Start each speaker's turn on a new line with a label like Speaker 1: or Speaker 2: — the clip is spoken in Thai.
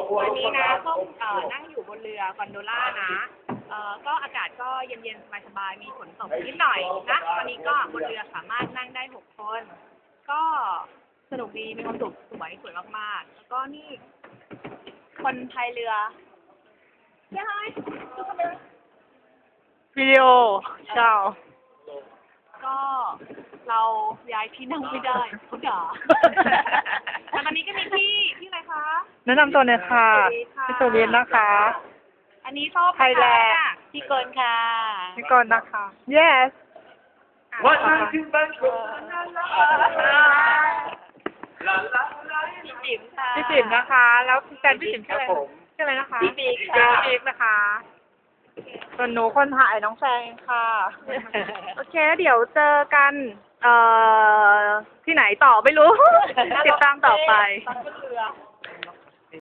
Speaker 1: วันนี้นะต้องนั่งอยู่บนเรือกอนโดล่านะก็อากาศก็เย็นๆสบายๆมีฝนตกนิดหน่อยนะวันนี้ก็บนเรือสามารถนั่งได้6 คนก็สนุกดีมีความสุขสวยมากๆแล้วก็นี่คนพายเรือยังไงวิดีโอเช้าก็เราย้ายที่นั่งไม่ได้เขาด่าแต่ตอนนี้ก็มีพี่อะไรคะ
Speaker 2: แนะนำตัวหน่อยค่ะพี่สุรินทร์นะคะ
Speaker 1: อันนี้ชอบไทยแลนด์พี่กนค่ะ
Speaker 2: พี่กรณ์นะคะ yes
Speaker 1: พี่จิ๋มค่ะ
Speaker 2: พี่จิ๋มนะคะ แล้วแฟนพี่จิ๋มชื่ออะไรนะคะ
Speaker 1: พี่บิ๊ก
Speaker 2: นะคะส่วนหนูคนถ่ายน้องแฟงค่ะ โอเคเดี๋ยวเจอกันที่ไหนต่อไม่รู้ ติดตามต่อไป